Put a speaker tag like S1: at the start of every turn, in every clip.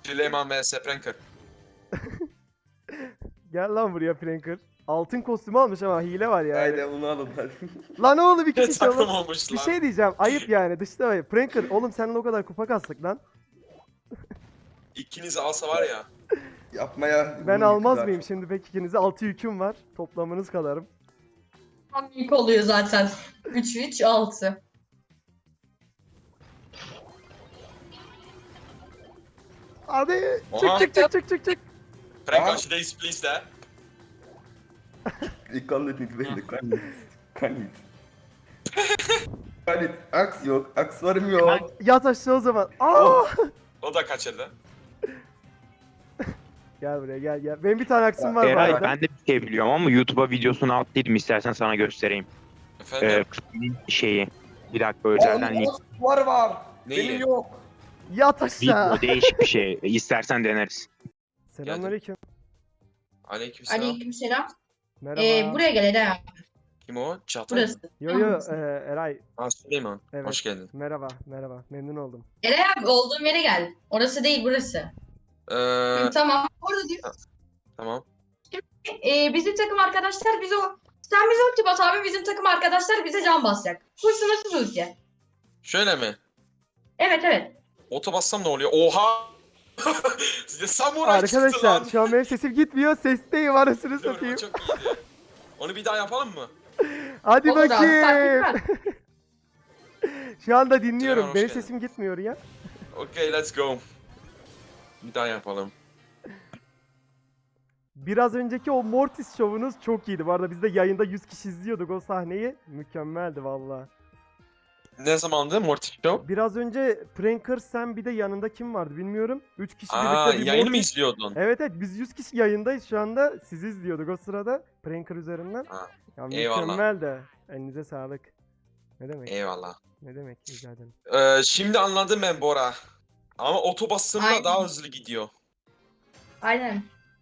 S1: Süleyman vs Pranker.
S2: Gel lan buraya Pranker. Altın kostümü almış ama hile var yani.
S3: Haydi onu alın hadi.
S2: Lan oğlum iki kişi
S1: Takım
S2: oğlum.
S1: olmuş
S2: Bir
S1: lan.
S2: şey diyeceğim. Ayıp yani. Dışta var. Pranker oğlum seninle o kadar kupa kastık lan.
S1: İkiniz alsa var ya.
S3: Yapmaya...
S2: Ben
S3: bunu
S2: almaz
S3: yıktılar.
S2: mıyım şimdi pek ikinize? 6 yüküm var. Toplamınız kadarım.
S4: Tam ilk oluyor zaten. 3-3-6.
S2: Hadi
S1: Oha.
S2: çık.
S1: Prank
S3: Aa.
S1: aşıdayız please de.
S3: Ich kann das nicht reden, kann nicht. Kann nicht. Kann nicht. Aks yok, akslarım yok.
S2: Yat aşağı o zaman. Aa!
S3: Oh.
S1: O da kaçırdı.
S2: Gel buraya gel. Benim bir tane aksım var bu
S5: Eray
S2: arada.
S5: ben de bir şey biliyorum ama YouTube'a videosunu attıydım, istersen sana göstereyim.
S1: Efendim.
S5: Şeyi. Bir dakika özelden link.
S3: Var.
S1: Neyi?
S3: Benim yok.
S2: Yat aşağı.
S5: Video değişik bir şey. İstersen deneriz.
S2: Selamünaleyküm.
S1: Aleykümselam.
S4: Aleykümselam.
S2: Merhaba.
S4: Buraya gel Eda.
S1: Kim o? Çağatay mı?
S4: Burası.
S2: Yo Eray.
S1: Ha Süleyman.
S2: Evet.
S1: Hoş geldin.
S2: Merhaba. Memnun oldum.
S4: Eray abi olduğum yere gel. Orası değil burası. Tamam. Orada diyor.
S1: Tamam.
S4: Bizim takım arkadaşlar bize o... Sen bize ulti bas abi, bizim takım arkadaşlar bize can basacak. Bu sınırsız ulti.
S1: Şöyle mi?
S4: Evet.
S1: Oto bassam ne oluyor? Oha! Size samuray çıktı
S2: Arkadaşlar
S1: lan.
S2: şu an benim sesim gitmiyor. Sesteyim arasını
S1: Dur, bu
S2: satayım.
S1: çok iyiydi. Onu bir daha yapalım mı?
S2: Hadi
S4: Olur abi, fark
S2: bakayım.
S4: etmez.
S2: Şu anda dinliyorum.
S1: Süleyman, hoş
S2: Benim
S1: geldin.
S2: sesim gitmiyor ya.
S1: Okay, let's go. Bir daha yapalım.
S2: Biraz önceki o Mortis şovunuz çok iyiydi. Bu arada biz de yayında 100 kişi izliyorduk o sahneyi. Mükemmeldi valla.
S1: Ne zamandı Mortis Show?
S2: Biraz önce Pranker sen bir de yanında kim vardı bilmiyorum. 3 kişi
S1: Aa,
S2: birlikte bir
S1: yayını mı
S2: Mortis-
S1: izliyordun?
S2: Evet biz 100 kişi yayındayız şu anda. Sizi izliyorduk o sırada. Pranker üzerinden.
S1: Ha,
S2: Ya
S1: eyvallah.
S2: mükemmel de. Elinize sağlık. Ne demek?
S1: Eyvallah.
S2: Ne demek? Rica ederim.
S1: Şimdi anladım ben Bora. Ama oto bastığımda
S4: Aynen.
S1: daha hızlı gidiyor.
S4: Aynen.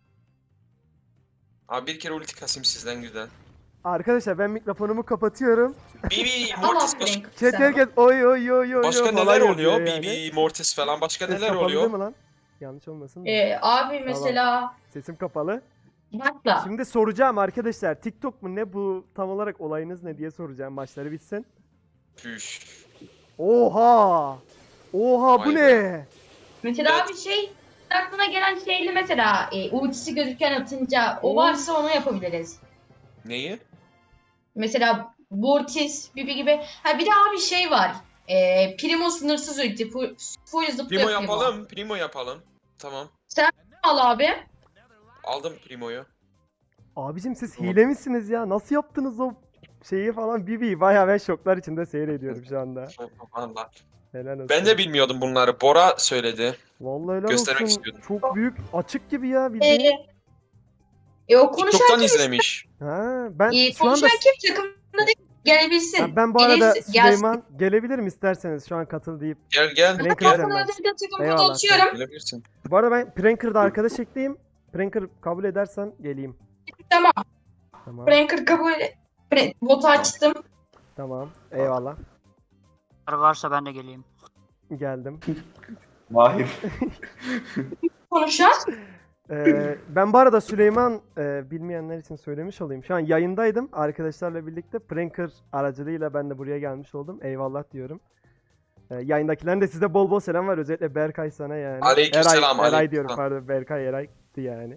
S1: Abi bir kere ulti kasayım sizden güzel.
S2: Arkadaşlar ben mikrofonumu kapatıyorum.
S1: Bibi,
S4: Ama
S1: Mortis
S4: Frank.
S2: Chat herkes oy
S1: başka
S2: falan
S1: neler
S2: yazıyor
S1: oluyor?
S2: yani.
S1: Bibi, Mortis falan başka
S2: Ses
S1: neler
S2: kapalı
S1: oluyor?
S2: değil mi lan? Yanlış olmasın da.
S4: Abi mesela...
S2: Sesim kapalı.
S4: Başla.
S2: Şimdi soracağım arkadaşlar. TikTok mu ne bu? Tam olarak olayınız ne diye soracağım. Maçları bitsin.
S1: Püş.
S2: Oha! Oha bu
S1: Vay
S2: ne?
S4: Mesela
S1: Evet.
S4: bir şey aklına gelen şeyli mesela ultisi gözüken atınca o varsa onu yapabiliriz.
S1: Neyi?
S4: Mesela Mortis, Bibi gibi. Ha bir de abi şey var. Primo sınırsız ulti. Full zıplıyor
S1: Primo
S4: Primo.
S1: yapalım. Primo yapalım. Tamam.
S4: Al abi.
S1: Aldım Primo'yu.
S2: Abicim siz
S1: Tamam.
S2: hile misiniz ya? Nasıl yaptınız o şeyi falan? Bibi bayağı ben şoklar içinde seyrediyorum şu anda.
S1: Allah.
S2: Helal olsun.
S1: Ben de bilmiyordum bunları. Bora söyledi.
S2: Vallahi helal
S1: göstermek
S2: olsun.
S1: istiyordum.
S2: Çok büyük açık gibi ya bildiğin.
S4: O konuşan
S1: TikTok'tan izlemiş.
S2: Ha ben şu anda
S4: konuşan kim takımda değil gelebilsin.
S2: Ha, ben bu arada
S4: Gelirsin, gelsin.
S2: Süleyman gelebilirim isterseniz şu an katıl deyip.
S1: Gel.
S2: Pranker
S1: Gel.
S2: üzerinden.
S4: Ben takımda
S2: Eyvallah,
S4: atıyorum.
S1: Gelebilirsin.
S2: Bu arada ben Pranker'da arkadaş ekleyeyim. Pranker kabul edersen geleyim.
S4: Tamam.
S2: Tamam.
S4: Pranker kabul. Botu açtım.
S2: Tamam. Eyvallah.
S6: Varsa ben de geleyim.
S2: Geldim.
S3: Mahir.
S4: Konuşan.
S2: Ben bu arada Süleyman bilmeyenler için söylemiş olayım. Şu an yayındaydım arkadaşlarla birlikte. Pranker aracılığıyla ben de buraya gelmiş oldum. Eyvallah diyorum. Yayındakilerin de size bol bol selam var. Özellikle Berkay sana yani.
S1: Aleykümselam,
S2: Eray
S1: aleykümselam.
S2: diyorum pardon. Berkay Eray'dı yani.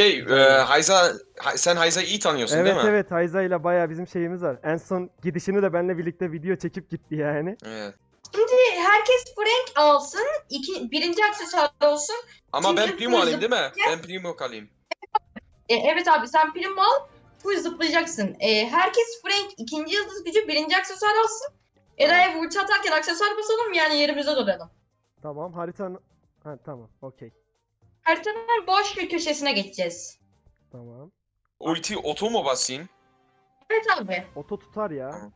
S1: Sen Hayza'yı iyi tanıyorsun
S2: Evet
S1: değil mi?
S2: evet Hayza ile bayağı bizim şeyimiz var. En son gidişini de benimle birlikte video çekip gitti yani.
S1: Evet.
S4: Şimdi herkes Frank alsın. Birinci aksesuar olsun.
S1: Ama ben
S4: Çünkü
S1: Primo
S4: full
S1: alayım değil mi? Ben Primo kalayım.
S4: Evet abi sen Primo al. Full zıplayacaksın. Herkes Frank ikinci yıldız gücü birinci aksesuar alsın. Eray'a ulti atarken aksesuar basalım yani yerimize duralım.
S2: Tamam haritanın... Ha tamam okey.
S4: Haritanın boş bir köşesine geçeceğiz.
S2: Tamam.
S1: Ulti oto mu basayım?
S4: Evet abi.
S2: Oto tutar ya.
S1: Tamam.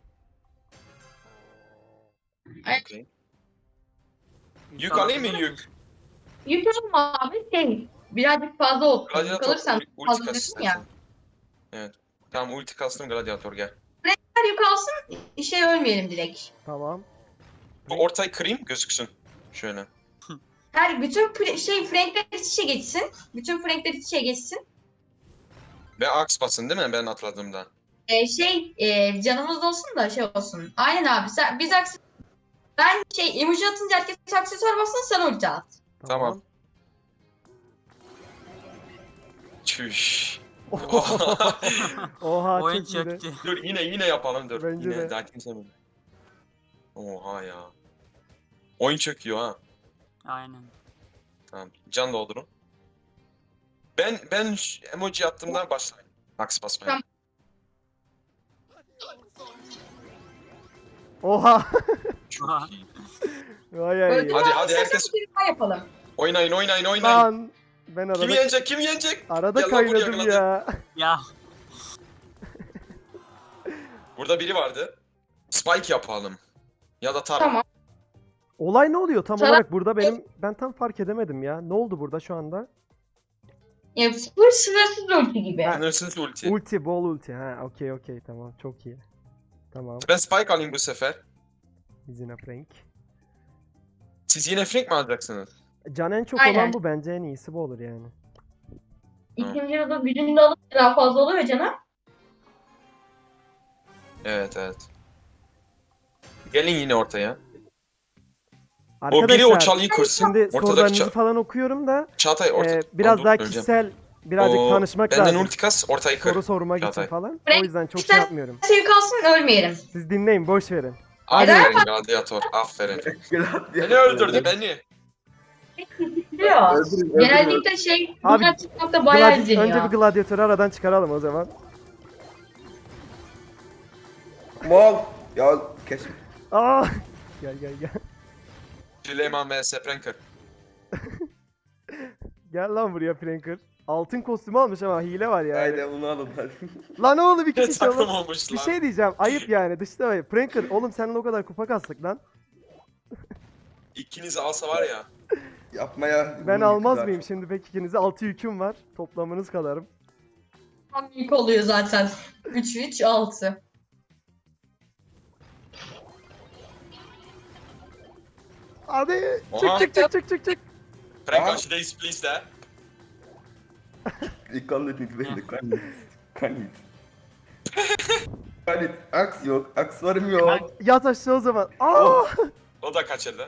S4: Evet.
S1: Okay. Yük alayım mı yük?
S4: Yük alma abi birazcık fazla olsun.
S1: Gladiator
S4: Kalırsan
S1: ulti
S4: fazla
S1: kas
S4: diyorsun ya.
S1: istersen. Evet. Tamam ulti kastım Gladiator gel.
S4: Her yük alsın ölmeyelim direkt.
S2: Tamam.
S1: Bu ortayı kırayım gözüksün. Şöyle.
S4: Bütün frankler iç içe geçsin. Bütün frankler iç içe geçsin.
S1: Ve aks basın değil mi ben atladığımda?
S4: Canımız da olsun da şey olsun. Aynen abi. Ben emoji atınca herkes aksesuar bassın, sen ulti at.
S1: Tamam. Çüş.
S2: Oha
S6: Oyun
S2: çok iyiydi.
S6: çöktü.
S1: Dur yine yapalım dur.
S2: Bence
S1: Yine
S2: de.
S1: daha kimse mi? Oha ya. Oyun çöküyor ha.
S6: Aynen.
S1: Tamam. Can doldurun. Ben emoji attığımdan başlayayım. Aks basmaya.
S4: Tamam.
S2: Oha.
S1: Çok
S6: Aha.
S1: iyi.
S2: Vay ay.
S1: Hadi, hadi, herkes-
S4: Bir daha yapalım.
S1: Oynayın.
S2: Lan. Ben
S1: Kim
S2: arada,
S1: yenecek? Kim yenecek?
S2: arada
S1: Gel lan buraya,
S2: kaynadım
S1: hadi.
S2: ya.
S6: Ya
S1: Burada biri vardı. Spike yapalım. Ya da Tara.
S4: Tamam.
S2: Olay ne oluyor tam
S4: Sana-
S2: olarak burada ben tam fark edemedim ya. Ne oldu burada şu anda?
S4: Ya, bu sınırsız ulti gibi.
S1: Sınırsız ulti.
S2: Ulti, bol ulti. Ha, okey tamam çok iyi. Tamam.
S1: Ben Spike alayım bu sefer.
S2: Biz yine Frank.
S1: Siz yine Frank mi alacaksınız?
S2: Can en çok
S4: Aynen.
S2: olan bu, bence en iyisi bu olur yani.
S4: İkinci yılda gücünü de alıp daha fazla oluyor canım.
S1: Evet. Gelin yine ortaya. O
S2: Arkadaşlar
S1: biri o çalıyı kırsın.
S2: şimdi
S1: Ortadaki
S2: sorularınızı falan okuyorum da
S1: Çağatay
S2: biraz
S1: Dur,
S2: daha
S1: öleceğim.
S2: kişisel birazcık
S1: O,
S2: tanışmak
S1: benden
S2: lazım.
S1: ulti kas ortayı kır.
S2: Soru sormak için
S1: Çağatay.
S2: falan.
S4: Frank,
S2: O yüzden çok
S4: sen-
S2: şey yapmıyorum.
S4: Sevi kalsın, ölmeyelim.
S2: Siz dinleyin, boş verin.
S1: Aferin gladiator. Aferin. Beni öldürdü beni.
S4: Diyor. Genellikle
S2: Abi,
S4: bunlar TikTok'ta bayağı izleniyor.
S2: Önce bir gladyatörü aradan çıkaralım o zaman.
S3: Mal. Ya kes.
S2: Aa! Gel.
S1: Süleyman vs Pranker.
S2: Gel lan buraya Pranker. Altın kostümü almış ama hile var yani.
S3: Haydi onu alın hadi.
S2: Lan oğlum iki kişi
S1: Takım
S2: oğlum.
S1: olmuş
S2: Bir
S1: lan.
S2: şey diyeceğim. Ayıp yani. Dışta var. Pranker oğlum seninle o kadar kupa kastık lan.
S1: İkinizi alsa var ya.
S3: Yapmaya.
S2: Ben almaz mıyım şimdi pek ikinize? 6 yüküm var. Toplamınız kadarım.
S4: Tam ilk oluyor zaten. 3-3-6.
S2: Hadi.
S1: Oha.
S2: Çık.
S1: Prank
S3: Aa.
S1: aşıdayız please de.
S3: Ik kan dit niet winnen, kan niet. Kan niet. Kan niet. Aks yok. Akslarım yok.
S2: Yat aşağı o zaman. Aa!
S3: Oh.
S1: O da kaçırdı.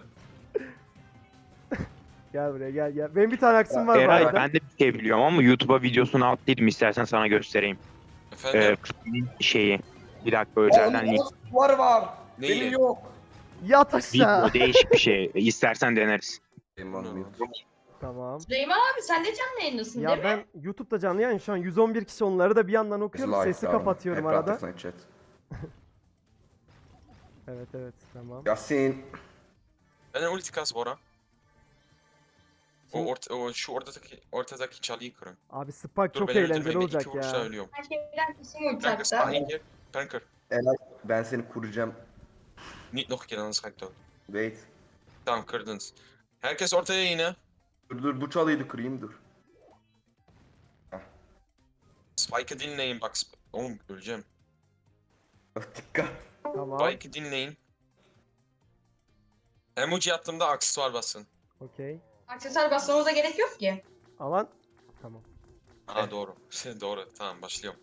S2: Gel buraya gel. Benim bir tane aksım var bu
S5: Eray
S2: arada.
S5: ben de bir şey biliyorum ama YouTube'a videosunu attıydım, istersen sana göstereyim.
S1: Efendim.
S5: Şeyi. Bir dakika özelden link.
S3: Var.
S1: Neyi?
S3: Benim yok.
S2: Yat aşağı.
S5: Video değişik bir şey. İstersen deneriz.
S2: Tamam.
S4: Süleyman abi sen de canlı yayındasın
S2: Ya
S4: değil mi?
S2: ben YouTube'da canlı yayın şu an 111 kişi, onları da bir yandan okuyorum. Sesi kapatıyorum arada.
S3: Chat.
S2: Evet tamam.
S3: Yasin.
S1: Ben ulti kas Bora.
S2: Şimdi-
S1: Şu ortadaki çalıyı kırın.
S2: Abi Spark
S1: Dur
S2: çok
S1: beni
S2: eğlenceli
S1: öldürmeyin.
S2: olacak
S1: İki vuruşta
S2: ya.
S1: ölüyorum.
S4: Her şeyden kesin ulti
S1: Pranker
S4: hatta.
S1: spawn gir. Pranker.
S3: Elay, ben seni kuracağım.
S1: Niet nog een keer anders ga ik dood.
S3: Wait.
S1: Tamam kırdınız. Herkes ortaya yine.
S3: Dur bu çalıyı da kırayım dur.
S1: Spike'ı dinleyin bak. Oğlum öleceğim.
S3: Dikkat.
S2: Tamam.
S1: Spike'ı dinleyin. Emoji attığımda aksesuar basın.
S2: Okey.
S4: Aksesuar basmamıza gerek yok ki.
S2: Alan. Tamam.
S1: Aa doğru. Doğru. Tamam başlıyorum.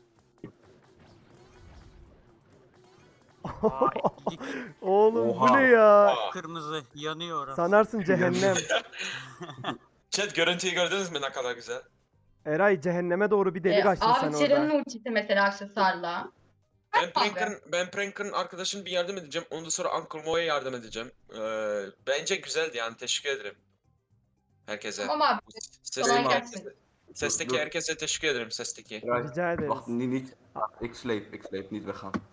S6: Vay, dik
S2: Oğlum
S3: Oha.
S2: bu ne ya?
S1: Aa.
S6: kırmızı yanıyor orası.
S2: Sanarsın cehennem.
S1: Chat görüntüyü gördünüz mü ne kadar güzel?
S2: Eray cehenneme doğru bir delik açtın sen
S4: Abi
S2: orada.
S4: Cheren'in ultisi mesela aksesuarla.
S1: Ben Pranker'ın arkadaşını bir yardım edeceğim. Ondan sonra Uncle Mo'ya yardım edeceğim. Bence güzeldi yani teşekkür ederim. Herkese.
S4: Tamam abi. Kolay gelsin.
S1: Sesteki
S3: Dur.
S1: herkese teşekkür ederim sesteki.
S2: Rica ederiz.
S3: Wacht, niet. Ik sleep niet weggaan.